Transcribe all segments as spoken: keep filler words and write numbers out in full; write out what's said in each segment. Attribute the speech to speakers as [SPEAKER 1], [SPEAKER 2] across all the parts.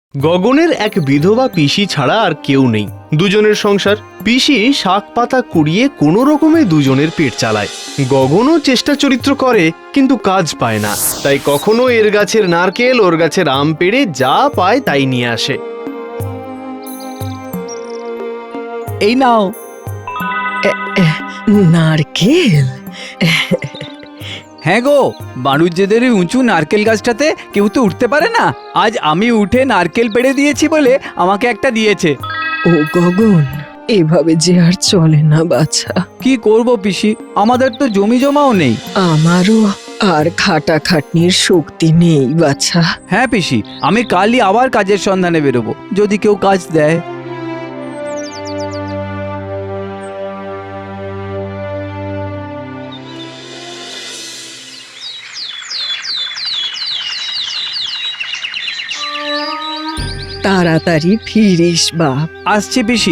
[SPEAKER 1] গগনের এক বিধবা পিসি ছাড়া আর কেউ নেই। দুজনের সংসার। পিসি শাক পাতা কুড়িয়ে কোনো রকমে দুজনের পেট চালায়। গগনও চেষ্টা চরিত্র করে কিন্তু কাজ পায় না, তাই কখনো এর গাছের নারকেল ওর গাছের আম পেড়ে যা পায় তাই নিয়ে আসে।
[SPEAKER 2] এই নাও।
[SPEAKER 3] নারকেল?
[SPEAKER 2] হ্যাঁ গো, বাণুজ্যদের ওই উঁচু নারকেল গাছটাতে কেউ তো উঠতে পারে না। আজ আমি উঠে নারকেল পেড়ে দিয়েছি বলে আমাকে একটা দিয়েছে।
[SPEAKER 3] ও গগন, এভাবে যে আর চলে না বাছা।
[SPEAKER 2] কি করব পিসি, আমাদের তো জমি জমাও নেই।
[SPEAKER 3] আমারও আর খাটাখাটনির শক্তি নেই বাছা।
[SPEAKER 2] হ্যাঁ পিসি, আমি কালই আবার কাজের সন্ধানে বেরোবো, যদি কেউ কাজ দেয়।
[SPEAKER 3] তাড়াতাড়ি ফিরিস বাপ।
[SPEAKER 2] আসছি পিসি।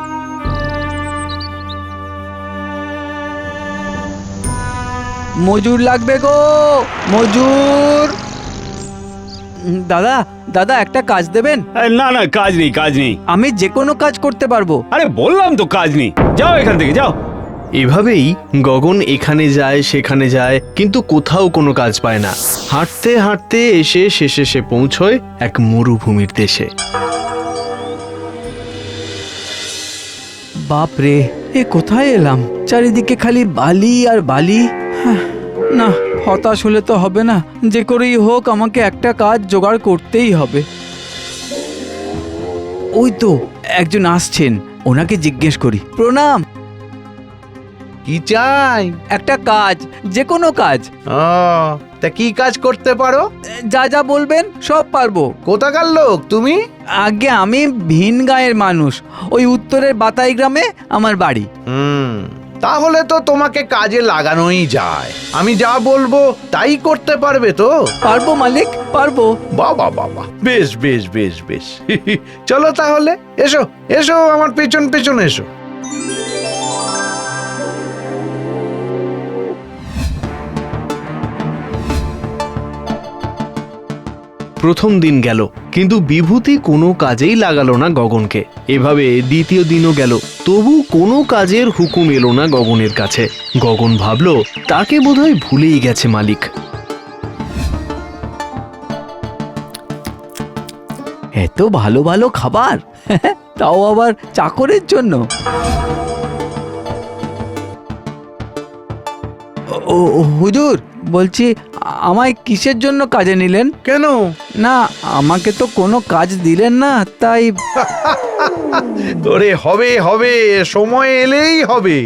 [SPEAKER 2] মজুর লাগবে গো, মজুর। উম, দাদা দাদা একটা কাজ দেবেন?
[SPEAKER 4] না না, কাজ নেই কাজ নেই।
[SPEAKER 2] আমি যে কোনো কাজ করতে পারবো।
[SPEAKER 4] আরে বললাম তো কাজ নেই, যাও এখান থেকে যাও।
[SPEAKER 1] এভাবেই গগন এখানে যায় সেখানে যায়, কিন্তু কোথাও কোনো কাজ পায় না। হাঁটতে হাঁটতে এসে শেষে সে পৌঁছয় এক মরুভূমির দেশে।
[SPEAKER 2] বাপ রে, এ কোথায় এলাম? চারিদিকে খালি বালি আর বালি। হাহ, না, হতাশ হলে তো হবে না। যে করেই হোক আমাকে একটা কাজ জোগাড় করতেই হবে। ওই তো একজন আসছেন, ওনাকে জিজ্ঞেস করি। প্রণাম।
[SPEAKER 5] কি চাই?
[SPEAKER 2] একটা কাজ, যে কোনো কাজ।
[SPEAKER 5] ও, তা কি কাজ করতে পারো?
[SPEAKER 2] যা যা বলবেন সব পারবো।
[SPEAKER 5] কোথাকার লোক তুমি?
[SPEAKER 2] আগে আমি ভিন গাঁয়ের মানুষ, ওই উত্তরের বাতাই গ্রামে আমার বাড়ি।
[SPEAKER 5] হুম, তাহলে তো তোমাকে কাজে লাগানোই যায়। আমি যা বলবো তাই করতে পারবে তো?
[SPEAKER 2] পারবো মালিক, পারবো।
[SPEAKER 5] বাবা বাবা, বেশ বেশ বেশ বেশ। চলো তাহলে, এসো এসো আমার পেছন পেছন এসো।
[SPEAKER 1] প্রথম দিন গেল, কিন্তু বিভূতি কোনো কাজেই লাগালো না গগনকে। এভাবে দ্বিতীয় দিনও গেল, তবু কোনো কাজের হুকুম এলো না গগনের কাছে। গগন ভাবল তাকে বোধহয় ভুলেই গেছে মালিক।
[SPEAKER 2] এত ভালো ভালো খাবার, তাও আবার চাকরের জন্য। ও ও, হুজুর বলছি, আমায় কিসের জন্য কাজে নিলেন?
[SPEAKER 5] কেন?
[SPEAKER 2] না, আমাকে তো কোনো কাজ দিলেন না, তাই।
[SPEAKER 5] ওরে হবে হবে, সময় এলেই হবে।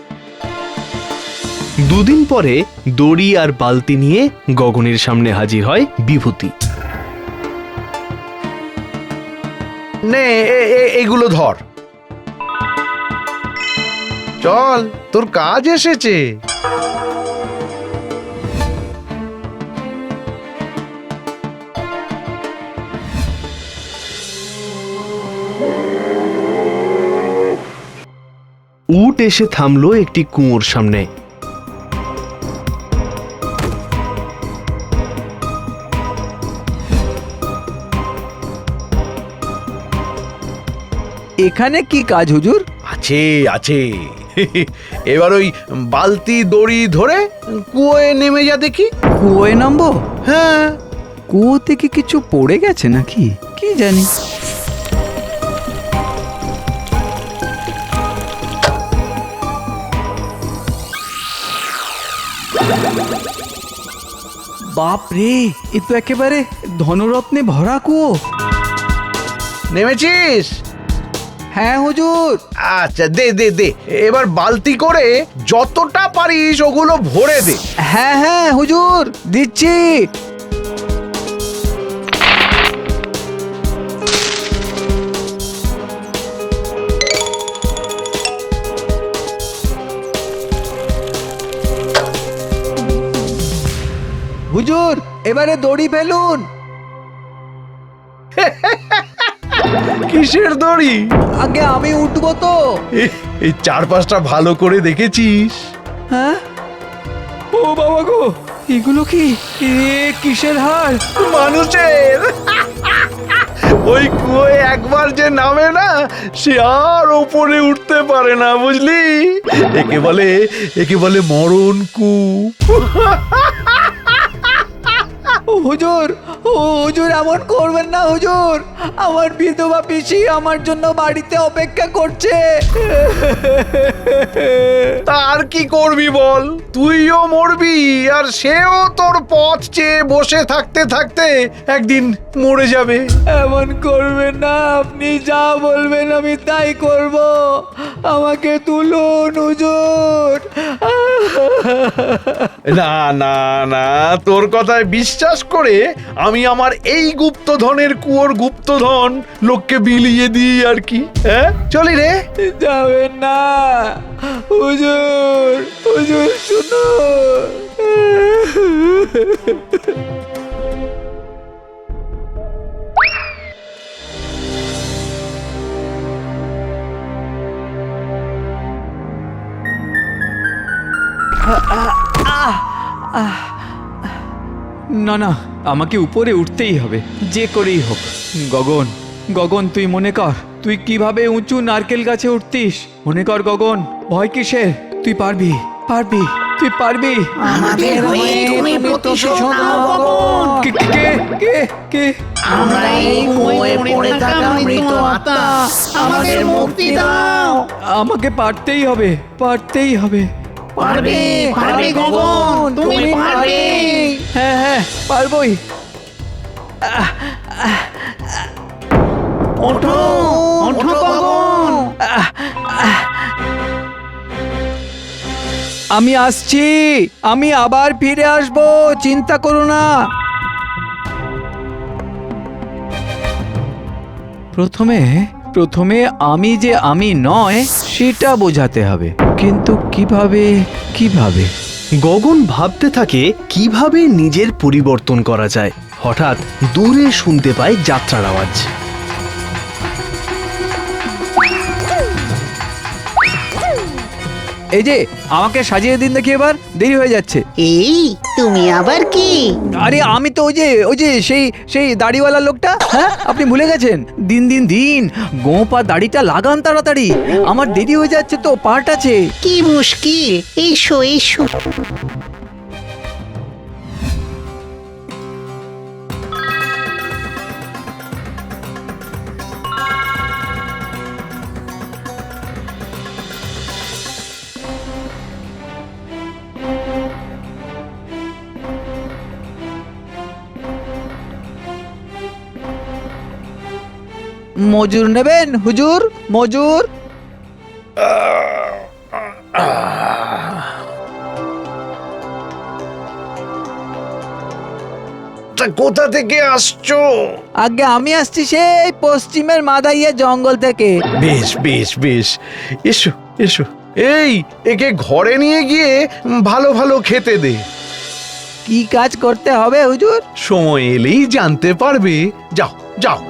[SPEAKER 1] দুদিন পরে দড়ি আর বালতি নিয়ে গগনের সামনে হাজির হয় বিভূতি।
[SPEAKER 5] নে এ- এ- এগুলো ধর, চল তোর কাজ এসেছে।
[SPEAKER 1] উট এসে থামলো একটি কুয়োর সামনে।
[SPEAKER 2] এখানে কি কাজ হুজুর?
[SPEAKER 5] আছে আছে। এবার ওই বালতি দড়ি ধরে কুয়োয় নেমে যা দেখি।
[SPEAKER 2] কুয়োয় নামবো?
[SPEAKER 5] হ্যাঁ।
[SPEAKER 2] কুয়ো থেকে কিছু পড়ে গেছে নাকি, কি জানি। বাপ রে, এ তো একেবারে ধনরত্নে ভরা কুয়ো।
[SPEAKER 5] নেমেছিস?
[SPEAKER 2] হ্যাঁ হুজুর।
[SPEAKER 5] আচ্ছা দে দে দে, এবার বালতি করে যতটা পারিস ওগুলো ভরে দে।
[SPEAKER 2] হ্যাঁ হ্যাঁ হুজুর, দিচ্ছি। হুজুর, এবারে দড়ি ফেলুন।
[SPEAKER 5] কিসের দড়ি?
[SPEAKER 2] আগে আমি উঠবো তো।
[SPEAKER 5] এ- এই চার পাঁচটা ভালো করে দেখেছিস?
[SPEAKER 2] হ্যাঁ, ও বাবা গো, এগুলো কি? এ কিসের হাড়?
[SPEAKER 5] মানুষের। ওই কুয়োয় একবার যে নামে না সে আর ওপরে উঠতে পারে না, বুঝলি? একে বলে একে বলে মরণ কূপ।
[SPEAKER 2] হুজুর, ও হুজুর এমন করবেন না হুজুর, আমার বিধবা পিসি আমার জন্য বাড়িতে অপেক্ষা করছে।
[SPEAKER 5] তার কি করবি বল, তুইও মরবি আর সেও তোর পথ চেয়ে বসে থাকতে থাকতে একদিন মরে যাবে।
[SPEAKER 2] এমন করবেন না, আপনি যা বলবেন আমি তাই করব। আমাকে তুলুন হুজুর।
[SPEAKER 5] না না না, তোর কথায় বিশ্বাস করে আমি আমার এই গুপ্তধনের কুয়োর গুপ্তধন লোককে বিলিয়ে দিই আর কি। হ্যাঁ, চলি রে।
[SPEAKER 2] যাবেন না হুজুর, হুজুর শুনুন। না না, আমাকে উপরে উঠতেই হবে, যে করেই হোক। গগন, গগন তুই মনে কর তুই কিভাবে উঁচু নারকেল গাছে উঠতিস। মনে কর গগন, ভয় কিসের? তুই পারবি, পারবি, তুই পারবি।
[SPEAKER 6] আমাদের হয়ে তুমি প্রতিশোধ নাও গগন।
[SPEAKER 2] কে কে কে কে?
[SPEAKER 6] আমরা এই কুয়োয় পড়ে থাকা মৃত আত্মা, আমাদের মুক্তি দাও।
[SPEAKER 2] আমাকে পারতেই হবে, পারতেই হবে।
[SPEAKER 6] পারবে, পারবে গগন, তুমি পারবে।
[SPEAKER 2] হ্যাঁ হ্যাঁ, পারবই।
[SPEAKER 6] ওঠো, ওঠো গগন।
[SPEAKER 2] আমি আসছি, আমি আবার ফিরে আসবো, চিন্তা করো না। প্রথমে প্রথমে আমি যে আমি নয় সেটা বোঝাতে হবে, কিন্তু কিভাবে কিভাবে?
[SPEAKER 1] গগন ভাবতে থাকে কিভাবে নিজের পরিবর্তন করা যায়। হঠাৎ দূরে শুনতে পায় যাত্রার আওয়াজ।
[SPEAKER 2] এই যে, আমাকে সাজিয়ে দিন দেখি, এবার দেরি হয়ে যাচ্ছে।
[SPEAKER 6] এই তুমি আবার কি?
[SPEAKER 2] আরে আমি তো ওই যে ওই যে সেই সেই দাড়িওয়ালা লোকটা। হ্যাঁ, আপনি ভুলে গেছেন? দিন দিন দিন গোপা দাড়িটা লাগান তাড়াতাড়ি, আমার দেরি হয়ে যাচ্ছে তো, পার্ট আছে।
[SPEAKER 6] কি মুশকিল, এসো এসো।
[SPEAKER 2] মজুর নেবেন হুজুর, মজুর?
[SPEAKER 5] তা কোথা থেকে আসছো?
[SPEAKER 2] আগে আমি আসছি সেই পশ্চিমের মাদাইয়া জঙ্গল থেকে।
[SPEAKER 5] বেশ বেশ বেশ, এসো এসো। এই, একে ঘরে নিয়ে গিয়ে ভালো ভালো খেতে দে।
[SPEAKER 2] কি কাজ করতে হবে হুজুর?
[SPEAKER 5] সময় এলেই জানতে পারবে। যাও যাও।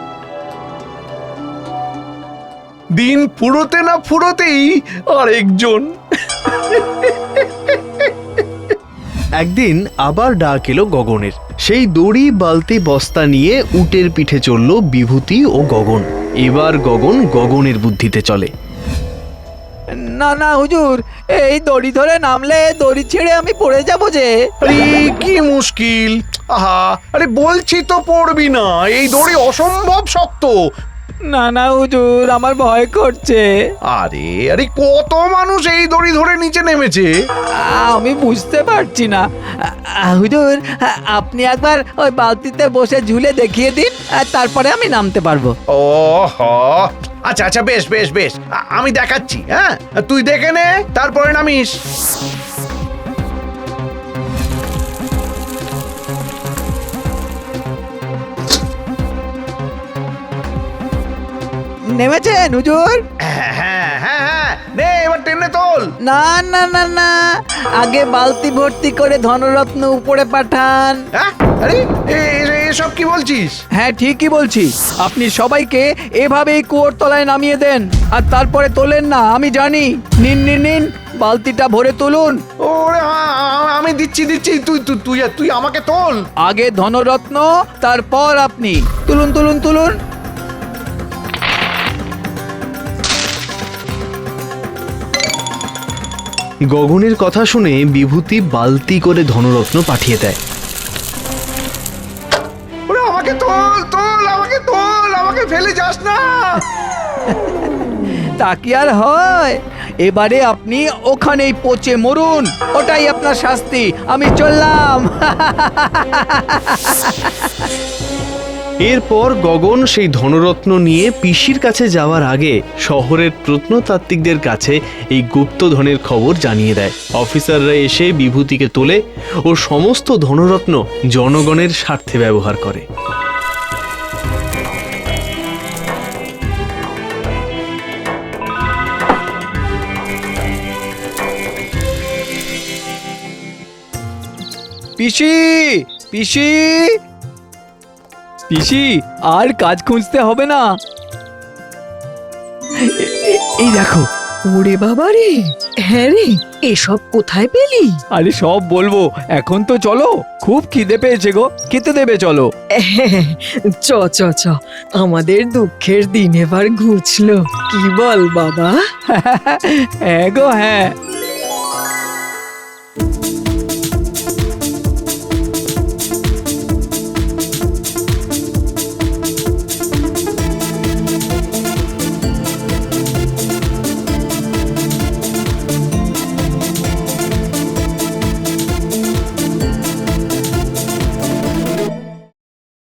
[SPEAKER 5] দিন ফুরোতে না ফুরোতেই আরেকজন।
[SPEAKER 1] একদিন আবার ডাক এলো গগনের। সেই দড়ি বালতি বস্তা নিয়ে উটের পিঠে চলল বিভূতি ও গগন। এবার গগন গগনের বুদ্ধিতে চলে।
[SPEAKER 2] না না হুজুর, এই দড়ি ধরে নামলে দড়ি ছেড়ে আমি পড়ে যাব যে।
[SPEAKER 5] আরে কি মুশকিল! আহা, আরে বলছি তো পড়বি না, এই দড়ি অসম্ভব শক্ত।
[SPEAKER 2] না না হুজুর, আমার ভয় করছে।
[SPEAKER 5] আরে আরে কত মানুষ এই দড়ি ধরে নিচে নেমেছে।
[SPEAKER 2] আমি বুঝতে পারছি না। আ, হুজুর, আপনি একবার ওই বালতিতে বসে ঝুলে দেখিয়ে দিন, আর তারপরে আমি নামতে পারবো।
[SPEAKER 5] ও হ, আচ্ছা আচ্ছা, বেশ বেশ বেশ, আ- আমি দেখাচ্ছি। হ্যাঁ, তুই দেখে নে, তারপরে নামিস।
[SPEAKER 2] নেমেছেন হুজুর?
[SPEAKER 5] হ্যাঁ হ্যাঁ হ্যাঁ হ্যাঁ, নে এবার টেনে তোল।
[SPEAKER 2] না না না না, আগে বালতি ভর্তি করে ধনরত্ন উপরে পাঠান।
[SPEAKER 5] হ্যাঁ, আরে এ- এ- এসব কি বলছিস?
[SPEAKER 2] হ্যাঁ ঠিকই বলছি, আপনি সবাইকে এভাবেই কুয়োর তলায় নামিয়ে দেন, আর তারপরে তোলেন না, আমি জানি। নিন নিন নিন, বালতিটা ভরে তুলুন।
[SPEAKER 5] ওরে আ- আ- আমি দিচ্ছি দিচ্ছি, তুই তুই তুই তুই আমাকে তোল।
[SPEAKER 2] আগে ধনরত্ন, তারপর আপনি। তুলুন তুলুন তুলুন।
[SPEAKER 1] গগনের কথা শুনে বিভূতি বালতি করে ধনরত্ন পাঠিয়ে দেয়।
[SPEAKER 5] ওরে আমাকে তোল তোল আমাকে তোল আমাকে ফেলে যাস না।
[SPEAKER 2] তা কি আর হয়, এবারে আপনি ওখানেই পচে মরুন, ওটাই আপনার শাস্তি। আমি চললাম।
[SPEAKER 1] এরপর গগন সেই ধনরত্ন নিয়ে পিসির কাছে যাওয়ার আগে শহরের প্রত্নতাত্ত্বিকদের কাছে এই গুপ্তধনের খবর জানিয়ে দেয়। অফিসাররা এসে বিভূতিকে তোলে ও সমস্ত ধনরত্ন জনগণের স্বার্থে ব্যবহার করে।
[SPEAKER 2] পিসি, পিসি, পিসি, আর কাজ খুঁজতে হবে না। এ- এ- এই দেখো।
[SPEAKER 3] ওরে বাবা রে, হ্যাঁ রে, এসব কোথায় পেলি?
[SPEAKER 2] আরে সব বলবো, এখন তো চলো, খুব খিদে পেয়েছে গো, খেতে দেবে চলো।
[SPEAKER 3] হ্যাঁ, চ চ চ, আমাদের দুঃখের দিন এবার ঘুচলো, কি বল বাবা?
[SPEAKER 2] হ্যাঁ গো হ্যাঁ।